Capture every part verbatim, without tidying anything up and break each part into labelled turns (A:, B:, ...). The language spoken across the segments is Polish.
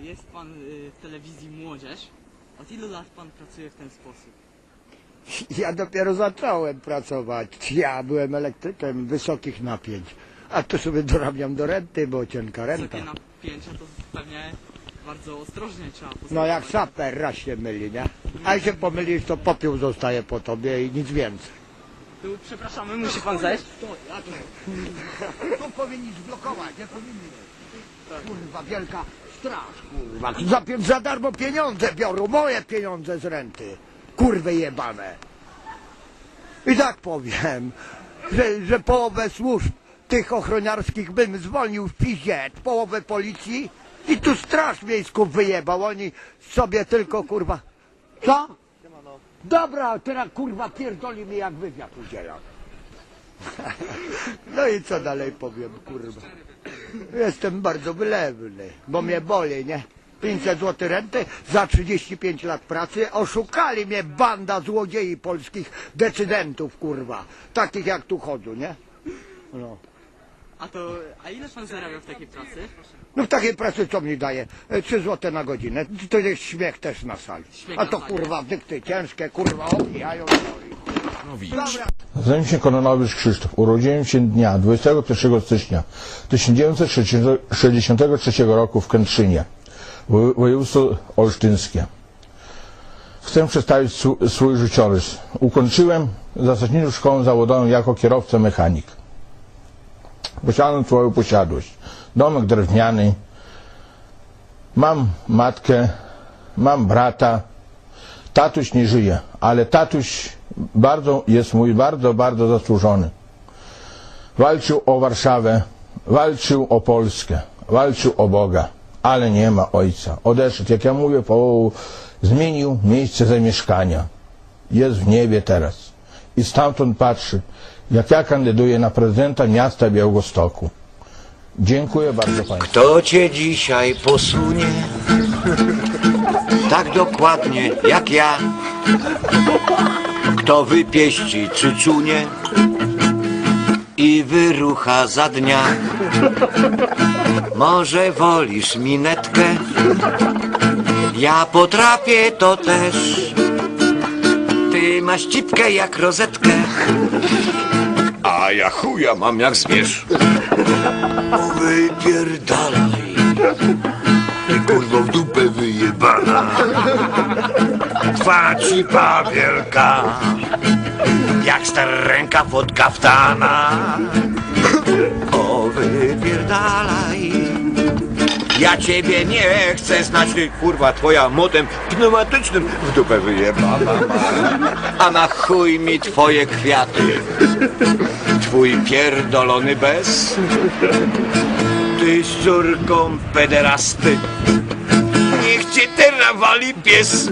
A: jest pan y, w telewizji Młodzież. Od ilu lat pan pracuje w ten sposób?
B: Ja dopiero zacząłem pracować. Ja byłem elektrykiem wysokich napięć. A tu sobie dorabiam do renty, bo cienka renta.
A: Wysokie napięcia to pewnie bardzo ostrożnie trzeba postępować.
B: No jak saper, raz się myli, nie? A jak się pomylisz, to popiół zostaje po tobie i nic więcej.
A: Tu przepraszamy, musi pan zejść.
B: To powinni zblokować, nie powinni. Kurwa, wielka straż, kurwa. Za, pi- za darmo pieniądze biorą, moje pieniądze z renty. Kurwy jebane. I tak powiem, że, że połowę służb tych ochroniarskich bym zwolnił w piździe, połowę policji i tu straż miejską wyjebał. Oni sobie tylko, kurwa... Co? Dobra, teraz kurwa pierdoli mi jak wywiad udzielam. No i co dalej powiem, kurwa. Jestem bardzo wylewny, bo mnie boli, nie? pięćset złotych renty za trzydzieści pięć lat pracy. Oszukali mnie banda złodziei polskich decydentów, kurwa. Takich jak tu chodzą, nie? No.
A: A to, a ile pan zarabia w takiej pracy?
B: No w takiej pracy co mi daje? E, trzy złote na godzinę. To jest śmiech też na sali.
A: Śmiech
B: A
A: na
B: to
A: sali.
B: kurwa dykty ciężkie, kurwa obijają. Dobra.
C: Nazywam się Kononowicz Krzysztof. Urodziłem się dnia dwudziestego pierwszego stycznia tysiąc dziewięćset sześćdziesiątego trzeciego roku w Kętrzynie, wo- województwo olsztyńskie. Chcę przedstawić sw- swój życiorys. Ukończyłem zasadniczą szkołę zawodową jako kierowca mechanik. Posiadam swoją posiadłość. Domek drewniany. Mam matkę, mam brata. Tatuś nie żyje, ale tatuś bardzo, jest mój bardzo, bardzo zasłużony. Walczył o Warszawę, walczył o Polskę, walczył o Boga, ale nie ma ojca. Odeszedł, jak ja mówię, po, zmienił miejsce zamieszkania. Jest w niebie teraz. I stamtąd patrzy, jak ja kandyduję na prezydenta miasta Białegostoku. Dziękuję bardzo Państwu.
D: Kto cię dzisiaj posunie tak dokładnie jak ja? Kto wypieści cycunie i wyrucha za dnia? Może wolisz minetkę? Ja potrafię to też. Ty masz cipkę jak rozetkę, a ja chuja mam jak zwierz. Wypierdalaj, ty kurwo w dupę wyjebana. Twa cipa wielka, jak starenka pod kaftana. O, wypierdalaj, ja ciebie nie chcę znać, ty kurwa twoja motem pneumatycznym w dupę wyjebana. A na chuj mi twoje kwiaty, twój pierdolony bez. Ty z córką pederasty, niech cię teraz wali pies.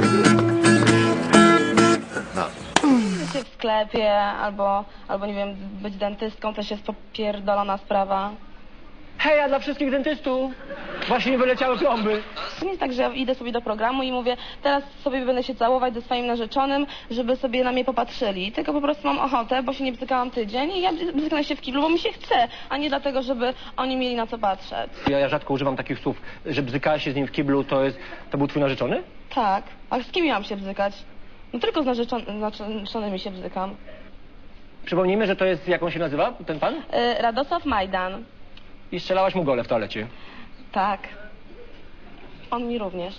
E: W sklepie albo, albo nie wiem, być dentystką też jest popierdolona sprawa.
F: Hej, a dla wszystkich dentystów! Właśnie nie wyleciały plomby.
E: To nie jest tak, że ja idę sobie do programu i mówię, teraz sobie będę się całować ze swoim narzeczonym, żeby sobie na mnie popatrzyli. Tylko po prostu mam ochotę, bo się nie bzykałam tydzień i ja bzyknę się w kiblu, bo mi się chce, a nie dlatego, żeby oni mieli na co patrzeć.
F: Ja, ja rzadko używam takich słów, że bzykałeś się z nim w kiblu, to jest... to był twój narzeczony?
E: Tak, a z kim miałam się bzykać? No tylko z narzeczon- narzeczonymi się bzykam.
F: Przypomnijmy, że to jest, jak on się nazywa, ten pan?
E: Yy, Radosław Majdan.
F: I strzelałaś mu gole w toalecie.
E: Tak. On mi również.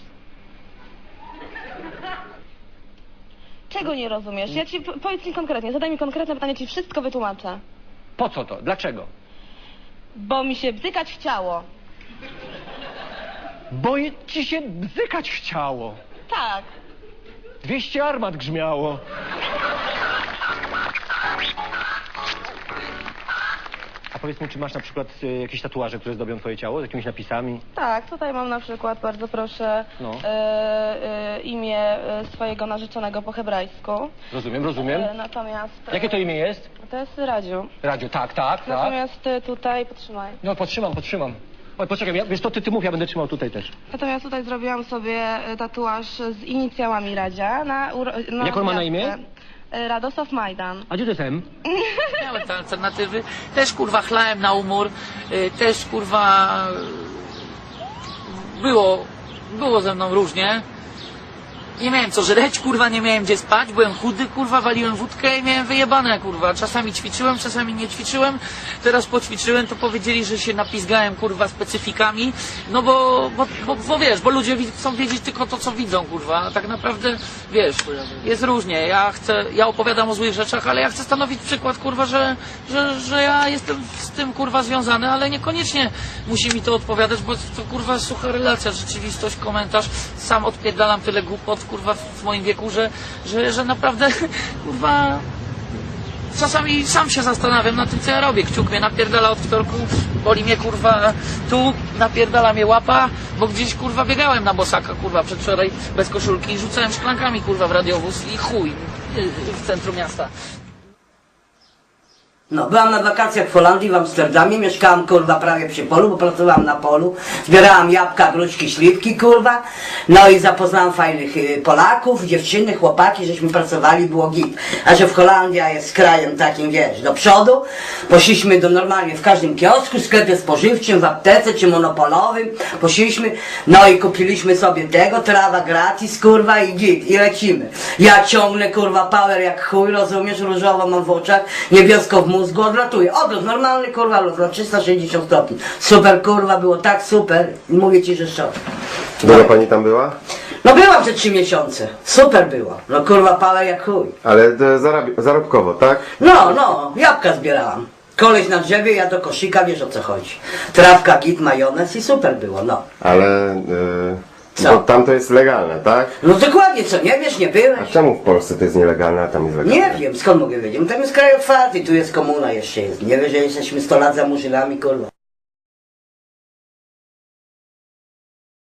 E: Czego nie rozumiesz? Ja ci, po- powiedz mi konkretnie, zadaj mi konkretne pytanie, ci wszystko wytłumaczę.
F: Po co to? Dlaczego?
E: Bo mi się bzykać chciało.
F: Bo je- ci się bzykać chciało.
E: Tak.
F: dwieście armat grzmiało. A powiedz mi, czy masz na przykład y, jakieś tatuaże, które zdobią twoje ciało z jakimiś napisami?
E: Tak, tutaj mam na przykład, bardzo proszę,
F: No.
E: e, e, imię e, swojego narzeczonego po hebrajsku.
F: Rozumiem, rozumiem.
E: E, natomiast... e,
F: Jakie to imię jest?
E: To jest Radziu.
F: Radio, tak, tak, tak.
E: Natomiast e, tutaj, potrzymaj.
F: No, podtrzymam, podtrzymam. Oj, poczekaj, ja, wiesz, to ty, ty mów, ja będę trzymał tutaj też.
E: Natomiast tutaj zrobiłam sobie e, tatuaż z inicjałami Radzia na... uro- na
F: Jak on ma na
E: gwiazdkę.
F: imię?
E: E, Radosław Majdan.
F: A gdzie to jest M?
G: Miałem te alternatywy, też kurwa chlałem na umór, y, też kurwa było, było ze mną różnie. Nie miałem co żreć, kurwa, nie miałem gdzie spać, byłem chudy, kurwa, waliłem wódkę i miałem wyjebane, kurwa. Czasami ćwiczyłem, czasami nie ćwiczyłem. Teraz poćwiczyłem, to powiedzieli, że się napizgałem, kurwa, specyfikami. No bo, bo, bo, bo wiesz, bo ludzie wi- chcą wiedzieć tylko to, co widzą, kurwa. A tak naprawdę, wiesz, jest różnie. Ja chcę, ja opowiadam o złych rzeczach, ale ja chcę stanowić przykład, kurwa, że, że, że ja jestem z tym, kurwa, związany, ale niekoniecznie musi mi to odpowiadać, bo to, kurwa, sucha relacja, rzeczywistość, komentarz. Sam odpierdalam tyle głupot, kurwa, w moim wieku, że, że, że naprawdę, kurwa, czasami sam się zastanawiam nad tym, co ja robię. Kciuk mnie napierdala od wtorku, boli mnie, kurwa, tu, napierdala mnie łapa, bo gdzieś, kurwa, biegałem na bosaka, kurwa, przedwczoraj bez koszulki i rzucałem szklankami, kurwa, w radiowóz i chuj w centrum miasta.
H: No, byłam na wakacjach w Holandii, w Amsterdamie, mieszkałam, kurwa, prawie przy polu, bo pracowałam na polu, zbierałam jabłka, gruszki, śliwki, kurwa, no i zapoznałam fajnych y, Polaków, dziewczyny, chłopaki, żeśmy pracowali, było git. A że w Holandia jest krajem takim, wiesz, do przodu, poszliśmy do normalnie w każdym kiosku, sklepie spożywczym, w aptece czy monopolowym, poszliśmy, no i kupiliśmy sobie tego, trawa gratis, kurwa, i git, i lecimy. Ja ciągnę, kurwa, power jak chuj, rozumiesz, różowo mam w oczach, niebiesko w mózgu, odlatuję, odlot, normalny, kurwa, lot na trzysta sześćdziesiąt stopni. Super, kurwa, było tak super, mówię ci, że szok.
I: Długo pani tam była?
H: No byłam przez trzy miesiące, super było, no kurwa, power jak chuj.
I: Ale e, zarab- zarobkowo, tak?
H: No, no, jabłka zbierałam. Koleś na drzewie, ja do koszyka, wiesz o co chodzi. Trawka, git, majonez i super było, no.
I: Ale e,
H: Co?
I: bo tam to jest legalne, tak?
H: No dokładnie, co, nie wiesz, nie
I: A
H: byłeś?
I: czemu w Polsce to jest nielegalne, a tam jest legalne?
H: Nie wiem, skąd mogę wiedzieć, no tam jest kraj otwarty, tu jest komuna jeszcze jest. Nie wiesz, że jesteśmy sto lat za murzynami, kurwa.